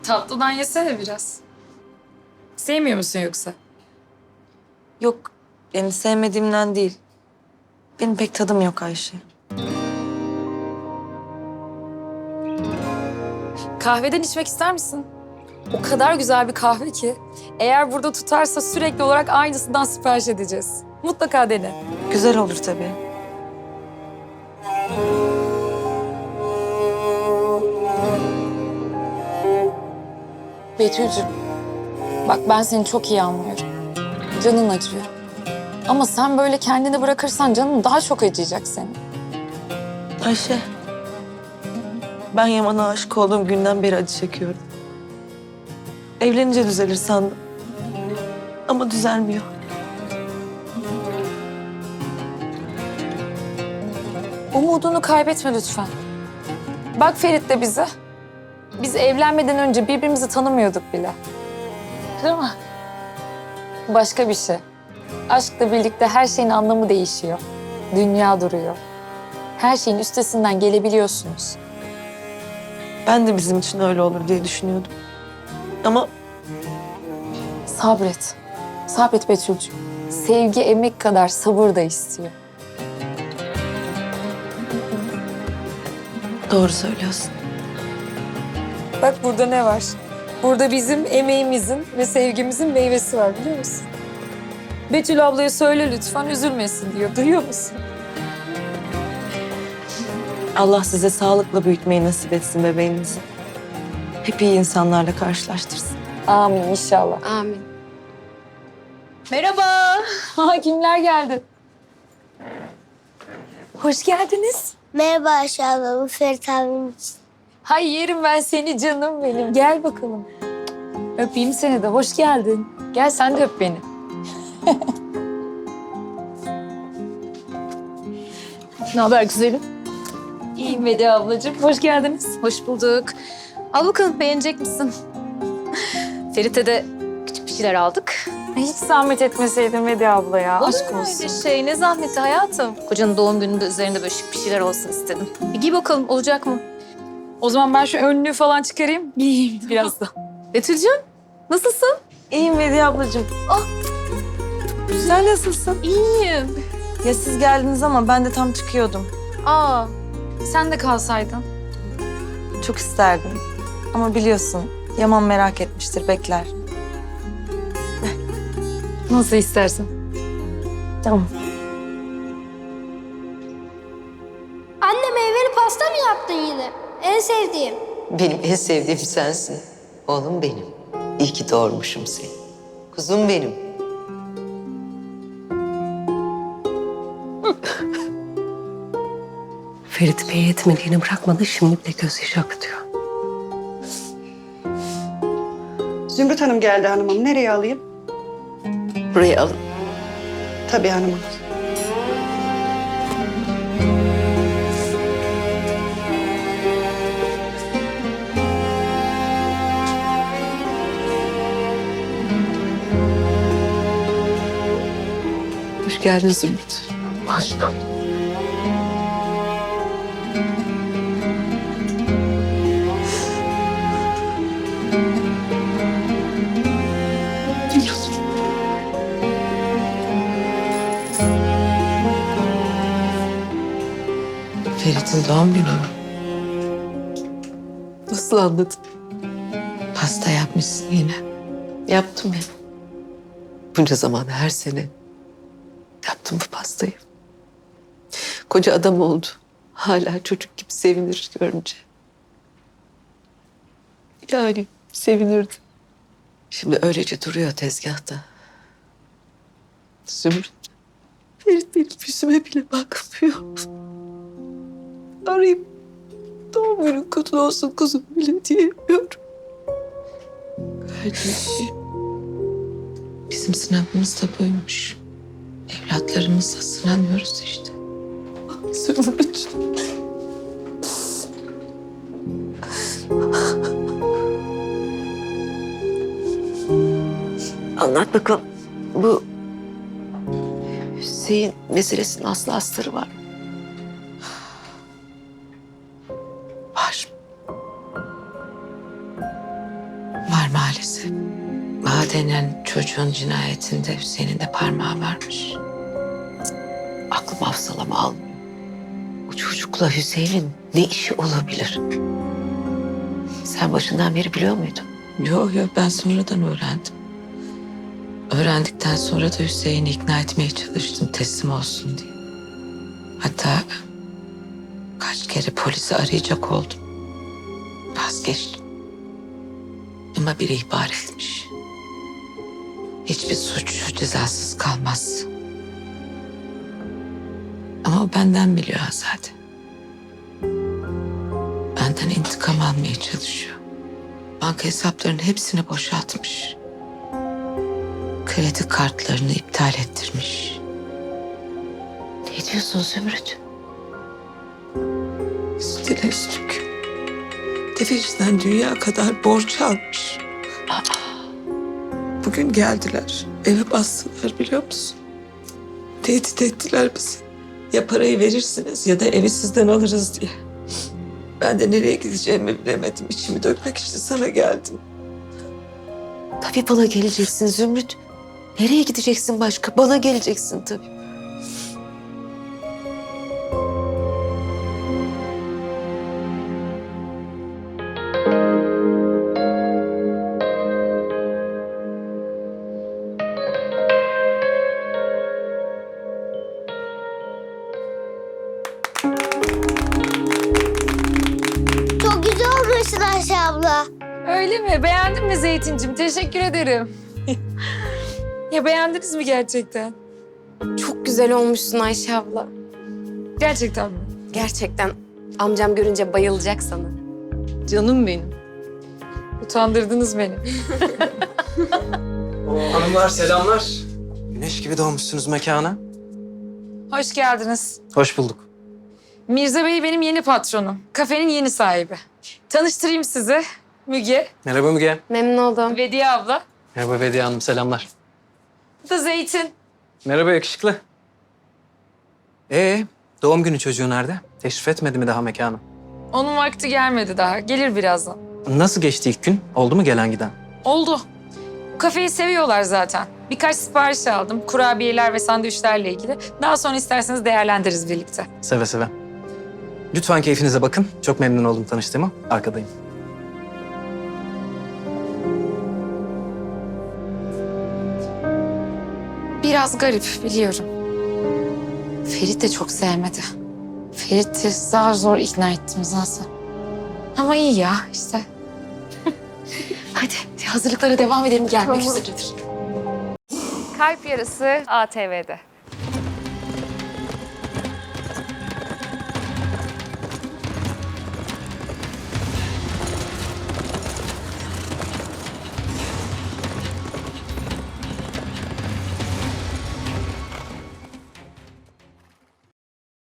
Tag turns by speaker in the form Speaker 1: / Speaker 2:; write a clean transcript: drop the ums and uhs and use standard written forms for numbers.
Speaker 1: Tatlıdan yesene biraz. Sevmiyor musun yoksa?
Speaker 2: Yok, yani sevmediğimden değil. Benim pek tadım yok Ayşe.
Speaker 1: Kahveden içmek ister misin? O kadar güzel bir kahve ki. Eğer burada tutarsa sürekli olarak aynısından sipariş edeceğiz. Mutlaka dene.
Speaker 2: Güzel olur tabii.
Speaker 1: Betül'cüm, bak ben seni çok iyi anlıyorum. Canın acıyor. Ama sen böyle kendini bırakırsan canın daha çok acıyacak senin.
Speaker 2: Ayşe, ben Yaman'a aşık olduğum günden beri acı çekiyorum. Evlenince düzelir sandım. Ama düzelmiyor.
Speaker 1: Umudunu kaybetme lütfen. Bak Ferit de bize. Biz evlenmeden önce birbirimizi tanımıyorduk bile. Değil mi? Başka bir şey. Aşkla birlikte her şeyin anlamı değişiyor. Dünya duruyor. Her şeyin üstesinden gelebiliyorsunuz.
Speaker 2: Ben de bizim için öyle olur diye düşünüyordum. Ama
Speaker 1: Sabret. Sabret Betül'cüğüm. Sevgi emek kadar sabır da istiyor.
Speaker 2: doğru söylüyorsun.
Speaker 1: Bak burada ne var? Burada bizim emeğimizin ve sevgimizin meyvesi var biliyor musun? Betül ablaya söyle lütfen üzülmesin diyor. Duyuyor musun?
Speaker 2: Allah size sağlıkla büyütmeyi nasip etsin bebeğinizi. Hep iyi insanlarla karşılaştırsın.
Speaker 1: Amin inşallah.
Speaker 3: Amin.
Speaker 1: Merhaba. Ha, kimler geldi? Hoş geldiniz.
Speaker 3: Merhaba Ayşe abla, bu Ferit abim için.
Speaker 1: Hay yerim ben seni canım benim. Gel bakalım. Öpeyim seni de. Hoş geldin. Gel sen de öp beni.
Speaker 4: Ne haber güzelim?
Speaker 1: İyiyim Vedi ablacığım. Hoş geldiniz.
Speaker 4: Hoş bulduk. Al bakalım beğenecek misin? Ferit'e de küçük bir şeyler aldık.
Speaker 1: Hiç zahmet etmeseydin Vedi abla ya.
Speaker 4: Olur
Speaker 1: Aşk
Speaker 4: mu
Speaker 1: olsun.
Speaker 4: öyle şey? Ne zahmeti hayatım. Kocanın doğum gününde üzerinde böyle şık bir şeyler olsun istedim. Bir giy bakalım olacak mı?
Speaker 1: O zaman ben şu önlüğü falan çıkarayım. Giyeyim birazdan.
Speaker 4: Betül'cüğüm nasılsın?
Speaker 2: İyiyim Vediye ablacığım. Güzel, nasılsın?
Speaker 4: İyiyim.
Speaker 2: Ya siz geldiniz ama ben de tam çıkıyordum.
Speaker 1: Aa, sen de kalsaydın.
Speaker 2: Çok isterdim. Ama biliyorsun Yaman merak etmiştir, bekler.
Speaker 1: Nasıl istersen.
Speaker 2: Tamam.
Speaker 3: Anne meyveli pasta mı yaptın yine? En sevdiğim.
Speaker 5: Benim en sevdiğim sensin. Oğlum benim. İyi ki doğurmuşum seni. Kuzum benim.
Speaker 6: Ferit Bey yetmediğini bırakmadı, şimdi de gözyaşı akıtıyor.
Speaker 7: Zümrüt Hanım geldi hanımım. Nereye alayım?
Speaker 5: Buraya alın.
Speaker 7: Tabii hanımım.
Speaker 5: Hoş geldin Zümrüt.
Speaker 6: Hoş bulduk.
Speaker 5: Ferit'in doğum günü mü? Nasıl anladın? Pasta yapmışsın yine. Yaptım ya. Bunca zaman her sene yaptım bu pastayı. Koca adam oldu. Hala çocuk gibi sevinir görünce. Yani sevinirdi. Şimdi öylece duruyor tezgahta. Zümrüt, Ferit benim yüzüme bile bakmıyor. Arayıp doğum günün kutlu olsun kuzum bile diyemiyorum. Kardeşim, bizim sınavımız da buymuş. Evlatlarımızla sınanıyoruz işte. Zümrüt. Anlat bakalım. Bu Hüseyin meselesinin aslı astarı var. Var. maalesef. Baha denen çocuğun cinayetinde Hüseyin'in de parmağı varmış. Aklım hafsalama almıyor. O çocukla Hüseyin'in ne işi olabilir? Sen başından beri biliyor muydun? Yok ben sonradan öğrendim. Öğrendikten sonra da Hüseyin'i ikna etmeye çalıştım teslim olsun diye. Hatta kaç kere polisi arayacak oldum. Vazgeçtim. Ama biri ihbar etmiş. Hiçbir suç cezasız kalmaz. Ama o benden biliyor Azade. Benden intikam almaya çalışıyor. Banka hesaplarının hepsini boşaltmış. Kredi kartlarını iptal ettirmiş. Ne diyorsun Zümrüt? Üstüne üstlük. Tefeciden dünya kadar borç almış. Bugün geldiler. Eve bastılar biliyor musun? Tehdit ettiler bizi. Ya parayı verirsiniz ya da evi sizden alırız diye. Ben de nereye gideceğimi bilemedim. İçimi dökmek için sana geldim. Tabii bana geleceksin Zümrüt. Nereye gideceksin başka? Bana geleceksin tabii.
Speaker 3: Çok güzel olmuşsun Ayşe abla.
Speaker 1: Öyle mi? Beğendin mi Zeytincim? Teşekkür ederim. Ya beğendiniz mi gerçekten?
Speaker 8: Çok güzel olmuşsun Ayşe abla.
Speaker 1: Gerçekten mi?
Speaker 8: Gerçekten amcam görünce bayılacak sana.
Speaker 2: Canım benim.
Speaker 1: Utandırdınız beni.
Speaker 9: Hanımlar selamlar. Güneş gibi doğmuşsunuz mekana.
Speaker 1: Hoş geldiniz.
Speaker 9: Hoş bulduk.
Speaker 1: Mirza Bey benim yeni patronum. Kafenin yeni sahibi. Tanıştırayım sizi. Müge,
Speaker 9: Merhaba Müge.
Speaker 8: Memnun oldum.
Speaker 1: Vediye abla.
Speaker 9: Merhaba Bediye Hanım, selamlar.
Speaker 1: Bu da Zeytin.
Speaker 9: Merhaba yakışıklı. Doğum günü çocuğu nerede? Teşrif etmedi mi daha mekana?
Speaker 1: Onun vakti gelmedi daha. Gelir birazdan.
Speaker 9: Nasıl geçti ilk gün? Oldu mu gelen giden?
Speaker 1: Oldu. Kafeyi seviyorlar zaten. Birkaç sipariş aldım. Kurabiyeler ve sandviçlerle ilgili. Daha sonra isterseniz değerlendiririz birlikte.
Speaker 9: Seve seve. Lütfen keyfinize bakın. Çok memnun oldum tanıştığıma. Arkadayım.
Speaker 1: Biraz garip biliyorum. Ferit de çok sevmedi. Ferit'i zar zor ikna ettim zaten. Ama iyi ya işte. Hadi hazırlıklara devam edelim, gelmek üzeredir.
Speaker 4: Kalp Yarısı ATV'de.